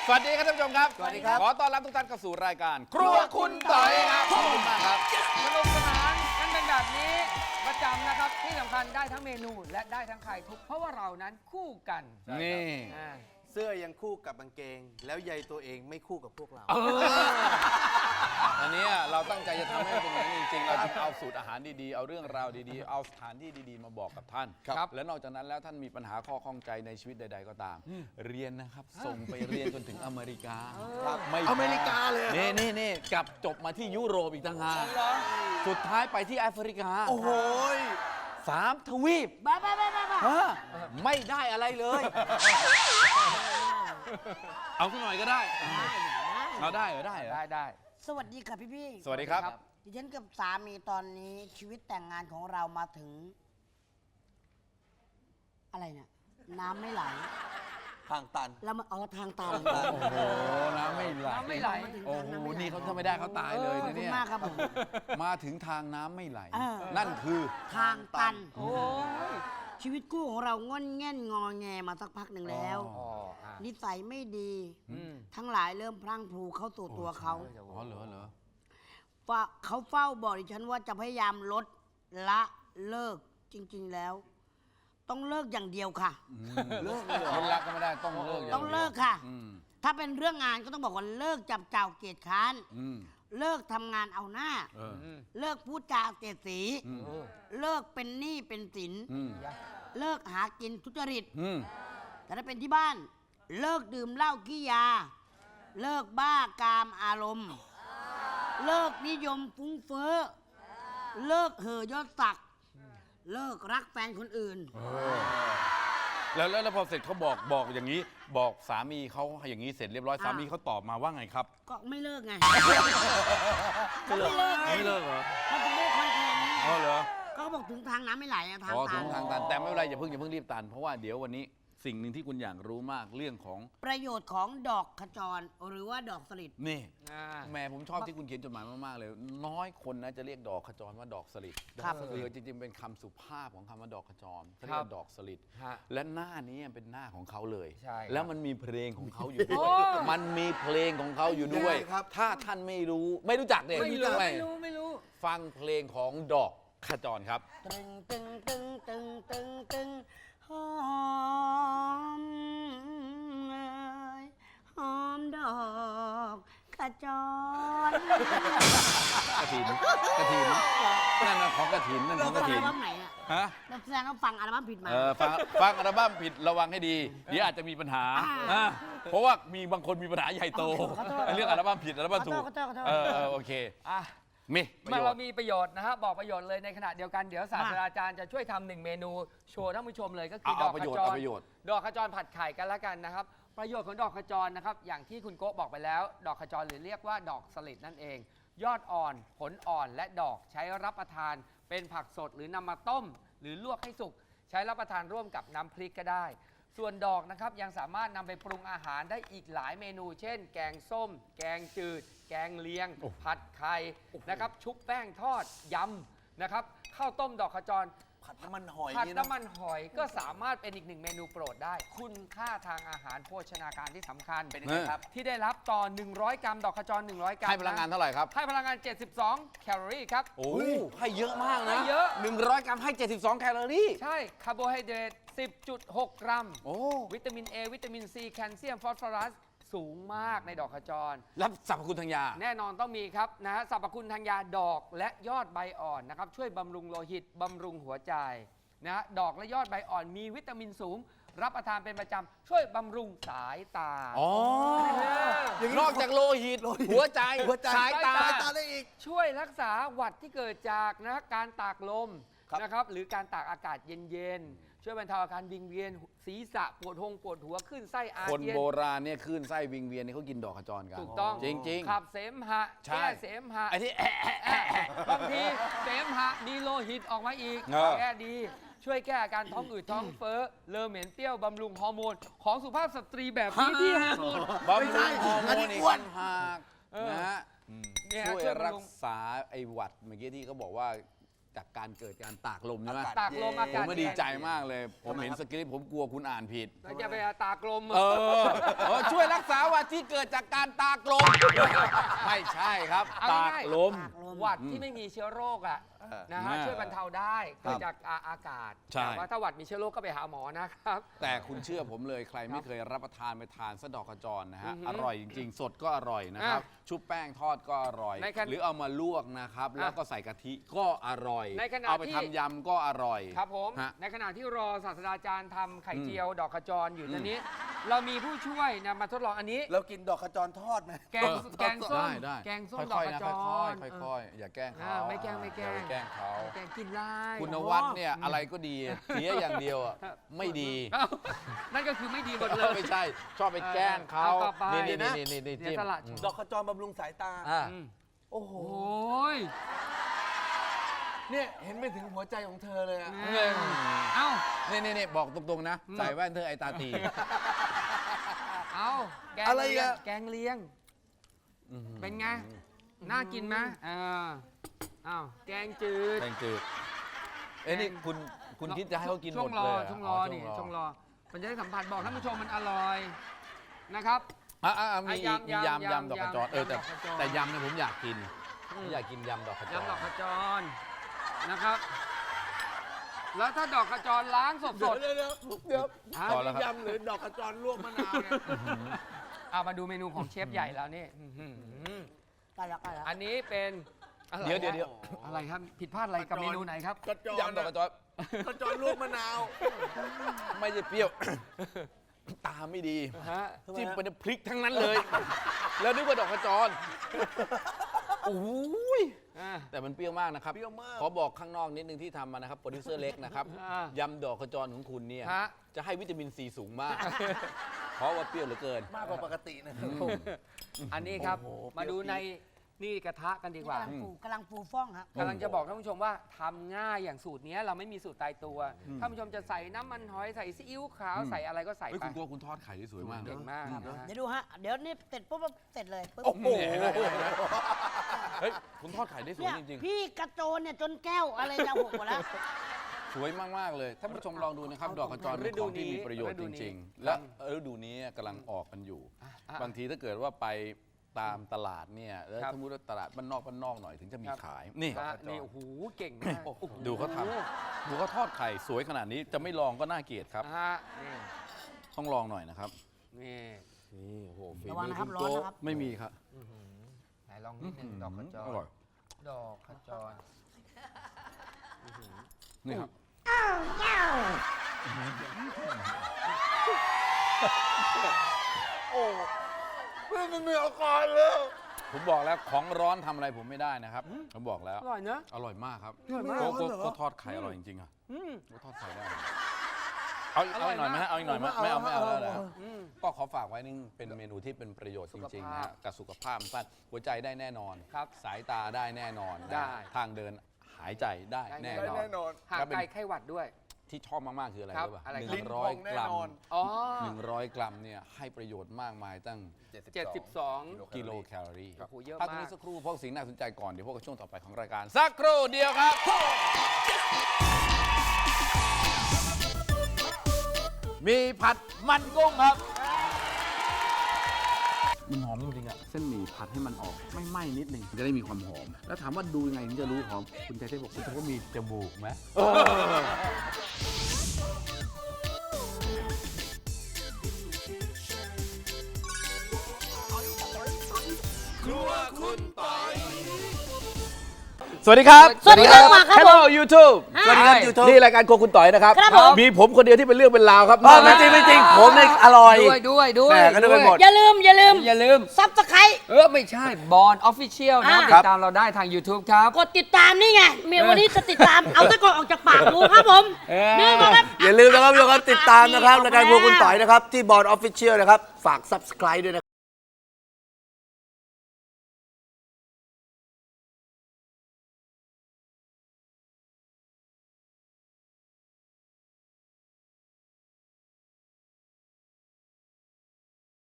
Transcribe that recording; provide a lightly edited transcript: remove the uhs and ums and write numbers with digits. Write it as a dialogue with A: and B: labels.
A: สวัสดีครับท่านผู้ชมครับ
B: สวัสดีครับ
A: ขอต้อนรับทุกท่านเข้าสู่รายการ ครัวคุณต่อยครับขอบคุณมากครับ
B: สนุกสนานกันเป็นแบบนี้ประจำนะครับที่สำคัญได้ทั้งเมนูและได้ทั้งไข่ทุกเพราะว่าเรานั้นคู่กัน
A: นี่
B: อ่า
C: เสื้อยังคู่กับกางเกง แล้วใยตัวเองไม่คู่กับพวกเรา
A: อันนี้เราตั้งใจจะทำให้เป็นอย่างนี้จริงๆเราจะเอาสูตรอาหารดีๆเอาเรื่องราวดีๆเอาสถานที่ดีๆมาบอกกับท่าน
B: ครับ
A: และนอกจากนั้นแล้วท่านมีปัญหาข้อข้องใจในชีวิตใด ๆ ก็ตาม เรียนนะครับส่งไปเรียนจนถึงอเมริกาไม่พ
C: อเมริกาเลย
A: นี่กลับจบมาที่ยุโรปอีกต่างหากสุดท้ายไปที่แอฟริกา
C: โอ้โห
A: 3 ทวีป
D: บ้า
A: ฮะไม่ได้อะไรเลย เอาสักหน่อยก็ได้เอาได้เหรอได้เหรอ
B: ได้
D: สวัสดีค่ะพี่
A: สวัสดีครับ
D: ดิฉันกับสามีตอนนี้ชีวิตแต่งงานของเรามาถึง อะไรเนี่ยน้ำไม่ไหล
C: ทางตัน
D: เรามาทางตัน
A: โอ้โหน้ำไม่ไหล
B: น้ำไม่ไหล
D: มาถึง
A: โอ้
D: ทาง
A: โห
D: น้ำไม่ไหล
A: นี่เขาถ้าไม่ได้เขาตายเลย
D: ขอบ
A: นะ
D: คุ
A: เนี่
D: ณ
A: ย
D: มากครับผม
A: มาถึงทางน้ำไม่ไหล
D: เออ
A: นั่นคือ
D: ทางตัน
B: โอ้ย
D: ชีวิตคู่ของเราง่อนแง่นงอแงมาสักพักหนึ่งแล้ว
A: อ๋อ
D: นิสัยไม่ดี
B: อืม
D: ทั้งหลายเริ่มพลั้งพลูเข้าสู่ตัวเขา
A: อ๋อเหรอ
D: เขาเฝ้าบอกดิฉันว่าจะพยายามลดละเลิกจริง ๆแล้ว ต้องเลิกอย่างเดียวค่ะ
A: เลิกเลยคนรักก็ไม่ได้ต้องเลิกย่า
D: ต้อง
A: ดียว
D: เลิกค่ะ
A: อืม
D: ถ้าเป็นเรื่องงานก็ต้องบอกว่าเลิกจับเจ้าเกียรติค้าน
A: อืม
D: เลิกทำงานเอาหน้า
A: เออ
D: เลิกพูดจาเสียดสี
A: อืม
D: เลิกเป็นหนี้เป็นสิน
A: อืม
D: เลิกหากินทุจริต
A: อืม
D: แต่ถ้าเป็นที่บ้าน เลิกดื่มเหล้าขี้ยา เลิกบ้ากามอารมณ์ เลิกนิยมฟุ้งเฟ้อ เลิกเห่อยศศักดิ์เลิกรักแฟนคนอื่น
A: แล้วพอเสร็จเขาบอกอย่างนี้ บอกสามีเขาอย่างนี้เสร็จเรียบร้อย
D: อ่า
A: สามีเขาตอบมาว่าไงครับ
D: ก็ไม่เลิกไงก็ไม่เลิกไง
A: ไม่เลิกเหรอ
D: มันถึงได้คอนแทนไง
A: อ๋อเหรอ
D: ก็บอกถึงทางน้ำไม่ไหลอะทาง
A: อ๋อ
D: ตั
A: ถึ
D: น
A: งทางตันแต่ไม่เป็นไรอย่าเพิ่งรีบตันเพราะว่าเดี๋ยววันนี้สิ่งหนึ่งที่คุณอยากรู้มากเรื่องของ
D: ประโยชน์ของดอกขจรหรือว่าดอกสลิด
A: นี่
B: อ่า
A: แหม่ผมชอบที่คุณเขียนจดหมายมาก ๆ เลย น้อยคนนะจะเรียกดอกขจรว่าดอกสลิด
D: ครับ
A: คือจริง ๆ เป็นคำสุภาพของคำว่าดอกขจรเขา
B: ค
A: เรี
B: รั
A: ย
B: บ
A: กว่าดอกสลิด
B: ฮะ
A: และหน้านี้เป็นหน้าของเขาเลย
B: ใช่ครับ
A: แล้วมันมีเพลงของเขาอยู่ด้วย
B: โอ้
A: มันมีเพลงของเขาอยู่ด้วย
C: ได้ครับ
A: ถ้าท่านไม่รู้จักเนี่ย
B: ไม่รู้
A: ฟังเพลงของดอกขจรครับ
D: ตึงตึงตึงตึงตึงตึงหอมเอ่ยหอมดอกขจร
A: กระถินนั่นนะของกระถินนั่นของกระ
D: อั
A: ถิ
D: ล
A: น
D: บั้มไหนอะ
A: ฮะ
D: เราแสดงว่าฟังอัลบั้มผิดมา
A: ฟังอัลบั้มผิดระวังให้ดี เดี๋ยวอาจจะมีปัญหา
D: อ่า
A: เพราะว่ามีบางคนมีปัญหาใหญ่โต
D: ขอโทษ
A: เรื่องอัลบั้มผิดอัลบั้มถูก
D: ขอโทษ
A: โอเค
B: อ่ะ
A: มีประ
B: เมื่
A: โย
B: อเรา
A: ชน์
B: มีประโยชน์นะฮะบอกประโยชน์เลยในขณะเดียวกันเดี๋ยวศาสตราจารย์จะช่วยทำหนึ่งเมนูโชว์ท่านผู้ชมเลยก็คือด
A: เอา
B: อก
A: ประ
B: ข
A: โยช
B: จ
A: น์เอา
B: ร
A: ประโยชน์
B: ดอกขจรผัดไข่กันละกันนะครับ ประโยชน์ของดอกขจรนะครับอย่างที่คุณโก้บอกไปแล้ว ดอกขจรหรือเรียกว่าดอกสลิดนั่นเอง ยอดอ่อนผลอ่อนและดอกใช้รับประทาน เป็นผักสดหรือนำมาต้ม หรือลวกให้สุกใช้รับประทานร่วมกับน้ำพริกก็ได้ ส่วนดอกนะครับยังสามารถนำไปปรุงอาหารได้อีกหลายเมนู เช่น แกงส้ม แกงจืด แกงเลียง ผัดไข่นะครับชุบแป้งทอดยำนะครับข้าวต้มดอกขจร
C: ผัดน้ำมันหอย
B: ผัด
C: นี่นะ
B: น้ำมันหอยก็สามารถเป็นอีกหนึ่งเมนูโปรดได้ คุณค่าทางอาหารโภชนาการที่สำคัญเป็นยังไงครับ ที่ได้รับต่อ 100 กรัมดอกขจร 100 กรัม
A: ให้พลังงานเท่าไหร่ครับ
B: ให้พลังงาน 72 แคลอรี่ครับ
A: โอ้ให้เยอะมาก
B: ให้
A: นะ
B: เยอะ
A: 100 กรัมให้ 72 แคลอรี่
B: ใช่คาร์โบไฮเดรต 10.6 กรัม
A: โอ้
B: วิตามิน A วิตามิน C แคลเซียม ฟอสฟอรัส สูงมากในดอกขจร
A: รับสรรพคุณทางยา
B: แน่นอนต้องมีครับนะฮะสรรพคุณทางยาดอกและยอดใบอ่อนนะครับช่วยบำรุงโลหิตบำรุงหัวใจนะฮะดอกและยอดใบอ่อนมีวิตามินสูง รับประทานเป็นประจำช่วยบำรุงสายตา
A: อ๋อ นอกจากโลหิต หัวใจ สายตา
C: สายตาได้อีก
B: ช่วยรักษาหวัดที่เกิดจากนะการตากลม
C: ครับ
B: นะครับหรือการตากอากาศเย็นๆ ช่วยบรรเทาอาการวิงเวียนศีรษะปวดหัวขึ้นไส้อา
A: คน
B: เจียน
A: โบราณเนี่ยคลื่นไส้วิงเวียนเนี่ยเขากินดอกขจรกัน
B: ถูกต้อง
A: จริง
B: ขับเสมหะ
A: ใช่
B: แก้เสมหะ
A: ไอ้ที่
B: บางทีเสมหะมีโลหิตออกมาอีก
A: เออ
B: แก้ดี ช่วยแก้อาการท้องอืดท้องเฟ้อเลอเหม็นเปรี้ยวบำรุงฮอร์โมนของสุภาพสตรีแบบนี้ที่ฮอร์โมน
A: บำรุงฮอร์โม
C: อัน
A: น
C: นี้
A: อีก
C: อ้วน
A: ต่างหาก
B: เออ
A: นะฮะ
B: เนี่ย
A: ช่วย
B: ช่วยบำรุง
A: รักษาไอ้หวัดเมื่อกี้ที่เขาบอกว่าจากการเกิดการตากลมใช่ไหม
B: ตากลมอา
A: ผ
B: กาศ
A: มไม่ดีใจมากเลย ผมเห็นสคริปต์ผมกลัวคุณอ่านผิด
B: แล้วจะไปตากลม
A: ช่วยรักษาหวัดที่เกิดจากการตากลม ไม่ใช่ครับ
B: เอา
A: ตา
B: ง่าย
A: ก
B: ๆ
A: ลม
B: หวัดที่ไม่มีเชื้อโรคอ่ะนะฮะ
A: อ่า
B: ช่วยบรรเทาได้เกิดจากอากาศ
A: ใช่
B: แต่ว่าถ้าหวัดมีเชื้อโรคก็ไปหาหมอนะครับ
A: แต่คุณเชื่อผมเลยใครไม่เคยรับประทานไปทานสะดอกกระจรนะฮะ
B: อือหือ
A: อร่อยจริงๆ สดก็อร่อยนะครับ ชุบแป้งทอดก็อร่อย
B: ในขณะ
A: หรือเอามาลวกนะครับ แล้วก็ใส่กะทิก็อร่อย
B: ในขณะ
A: เอาไป
B: ที่
A: ทำยำก็อร่อย
B: ครับผม
A: ฮะ
B: ในขณะที่รอศาสตราจารย์ทำไข่เจียวดอกขจรอยู่ตอนนี้ เรามีผู้ช่วยนะมาทดลองอันนี้
C: เรากินดอกขจรทอดไหม
B: แกงส้ม
A: ได้
B: แกงส้ม
A: ค่
B: ดอก
A: อย
B: ข
A: ๆนะ
B: จ
A: ค่อย
B: ร
A: ๆค่อยๆอย่าแกล้งเขา
B: ไม่แกล้ง
A: อย่าไปแกล้งเขา
B: แกงกินได้
A: คุณนวัดเนี่ยอะไรก็ดีเสียอย่างเดียวอ่ะไม่ดี
B: เอ้านั่นก็คือไม่ดีหมดเลย
A: ไม่ใช่ชอบไปแกล้งเขา
B: เอาต่อไป
A: นี่
B: นะ
A: นี่
B: เดี๋
A: จิ้
B: ยว
A: ม
B: สละ
C: ดอกขจรบำรุงสายตา
A: อ่า
B: อืม
C: โอ้โห
B: โอ้ย
C: เนี่ยเห็นไปถึงหัวใจของเธอเลยอะ
B: เอ้า
A: นี่บอกตรงๆนะ ใส่แว่นเธอไอตาตี
B: เอ้าแกง
C: อะไร
B: เลียง
C: อะ
B: แกงเลียง เป็นไง น่ากินไหมอ้าวแกงจืด
A: แกงจืดนี่คุณคิดจะให้เขากินห
B: ช่
A: ม
B: ว
A: ด
B: ง
A: เล
B: รอย ช่วงรอนี่ช่วงรอมันจะได้สัมผัสบอกท่านผู้ชมมันอร่อยนะครับ
A: มีอีกมียำดอกกระจรแต่
B: ยำดอกกระจร
A: แต่ยำเนี่ยผมอยากกินอยากกินยำดอกกระจร
B: ยำดอกขจรนะครับ แล้วถ้าดอกขจรล้างสด
C: เดี๋ยว
A: ต่อแล้วครับ
C: ยำหรือดอกขจรลวกมะนาวเนี่ย
B: ๆเอามาดูเมนูของเชฟใหญ่แล้วนี่อื้อหือ
D: กันแล้วกันแล้ว
B: อันนี้เป็นอะไร
A: เดี๋ยว
B: อะไรครับผิดพลาดอะไรกับเมนูไหนครับ
C: กระจร
A: ยำดอกกระจร
C: ขจรลวกมะนาว
A: ไม่ใช่เปรี้ยว ตาไม่ดี
B: ฮะ
A: จิ้มไปในพริกทั้งนั้นเลย แล้วนึกว่าดอกกระจรโอ้ย
B: อ่า
A: แต่มันเปรี้ยวมากนะครับ
C: เปรี้ยวมาก
A: ขอบอกข้างนอกนิดนึงที่ทำมานะครับโปรดิวเซอร์เล็กนะครับ ยำดอกกระจรของคุณเนี่ย
B: ฮะ
A: จะให้วิตามินซีสูงมาก เพราะว่าเปรี้ยวเหลือเกิน
C: มากกว่าปกตินะครับ
B: อันนี้ครับ
C: โอ้โห
B: มาดูในนี่กระทะกันดีกว่า
D: กำลังปูฟ่องครับ
B: กำลังจะบอกท่านผู้ชมว่าทำง่ายอย่างสูตรเนี้ยเราไม่มีสูตรตายตัวท่านผู้ชมจะใส่น้ำมันหอยใส่ซีอิ๊วขาวใส่อะไรก็ใส่
A: เฮ้ย
B: ไป
A: คุณกลัวคุณทอดไข่ได้สวยมาก
B: เก่งมากนะฮะ
D: เดี๋ยวดูฮะ เดี๋ยวนี่เสร็จปุ๊บเสร็จเลยปุ๊บ
C: โอ้โห
A: เฮ้ยคุณทอดไข่ได้สวย
D: เนี่ย
A: จริง
D: พี่กระโจนเนี่ยจนแก้วอะไรจะหกหมดแล้ว
A: ๆ สวยมากๆเลยท่านผู้ชมลองดูนะครับ ดอกกระจรเป็นของที่มีประโยชน์จริง ๆ และฤดูนี้กำลังออกกันอยู่ บางทีถ้าเกิดว่าไปตามตลาดเนี่ยแล้ว
B: ครับ
A: สมมติว่าตลาดบ้านนอกหน่อยถึงจะมีขายนี่
B: ฮะนี่โอ้โหเก่งมาก
A: ดูเขาทำดูเขาทอดไข่สวยขนาดนี้จะไม่ลองก็น่าเกลียดครับ
B: ฮะนี่
A: ต้องลองหน่อยนะครับ
B: นี่
A: นี่โอ้โหฝี
D: ระวัง
A: มือ
D: นะครับ
A: คุณ
D: ร้อน
A: โก
D: นะครับ
A: ไม่มีครับ
B: ไหนลองนิดนึงดอกขจ
A: อ
B: ร
A: ร่อย
B: ดอกขจร
A: นี่ครับ
C: โอ้ไม่มีอาการเลย
A: ผมบอกแล้วของร้อนทำอะไรผมไม่ได้นะครับผมบอกแล้ว
B: อร่อยเนอะ
A: อร่อยมากครับ
B: อร่อยมาก
A: ก็ทอดไข่อร่อยจริงๆอ่ะ
B: อืม
A: ก็ทอดไข่ได้เอาอีกหน่อยไหมฮะเอาอีกหน่อยไหมไม่เอาแล้วนะ
B: อืม
A: ก็ขอฝากไว้นึงเป็นเมนูที่เป็นประโยชน์จริงๆนะฮะกับสุขภาพสั้นหัวใจได้แน่นอน
B: ครับ
A: สายตาได้แน่นอนนะ
B: ได้
A: ทางเดินหายใจได้แน่นอน
C: แน่นอน
B: ห่างไกลไข้หวัดด้วย
A: ที่ชอบมาก ๆ คืออะไร
B: ครับ
A: รู้ป่ะ
B: อะไรครับ
A: หนึ่งร้อยกรัม
B: อ๋อ
A: 100 กรัมเนี่ยให้ประโยชน์มากมายตั้ง
B: 72
A: กิโลแคลอรี่
B: โอ้โหเยอะ
A: พักตรง
B: มาก
A: นี้สักครู่พวกสิ่งน่าสนใจก่อน เดี๋ยวพวกกับช่วงต่อไปของรายการ สักครู่เดียวครับ มีผัดมันกุ้งครับ มันหอมจริงๆอ่ะ เส้นหมี่ผัดให้มันออกไม่ไหม้นิดนึงจะได้มีความหอม แล้วถามว่าดูยังไงถึงจะรู้หอม คุณใจเทพบอกคุณจะว่ามีจมูกไหมสวัสดีครับ
D: สวัสดีครับครับ
A: Hello YouTube
C: สวัสดีครับ YouTube
A: นี่รายการโครัวคุณต่อยนะครับ
D: ครับผม
A: มีผมคนเดียวที่เป็นเรื่องเป็นราวครับ
C: ไม่จริงไม่จริงผมเนี่ยอร่อย
B: ด้วย
C: แหม่ก็นึกไปหมด
D: อย่าลืม
B: อย่าลืม
D: ซับสไครต์
B: ไม่ใช่บอลออฟฟิเชียลนะ
D: อ่า
B: ติดตามเราได้ทาง YouTube ครับ
D: กดติดตามนี่ไงเมียวันนี้จะติดตาม เอาตะกอนออกจากปากรู้ครับผมนี่ครับ
C: อย่าลืมนะครับทุกคนติดตามนะครับรายการพวกคุณต่อยนะครับ ที่บอร์ดออฟฟิเชียลนะครับ ฝาก subscribe ด้วยนะครับ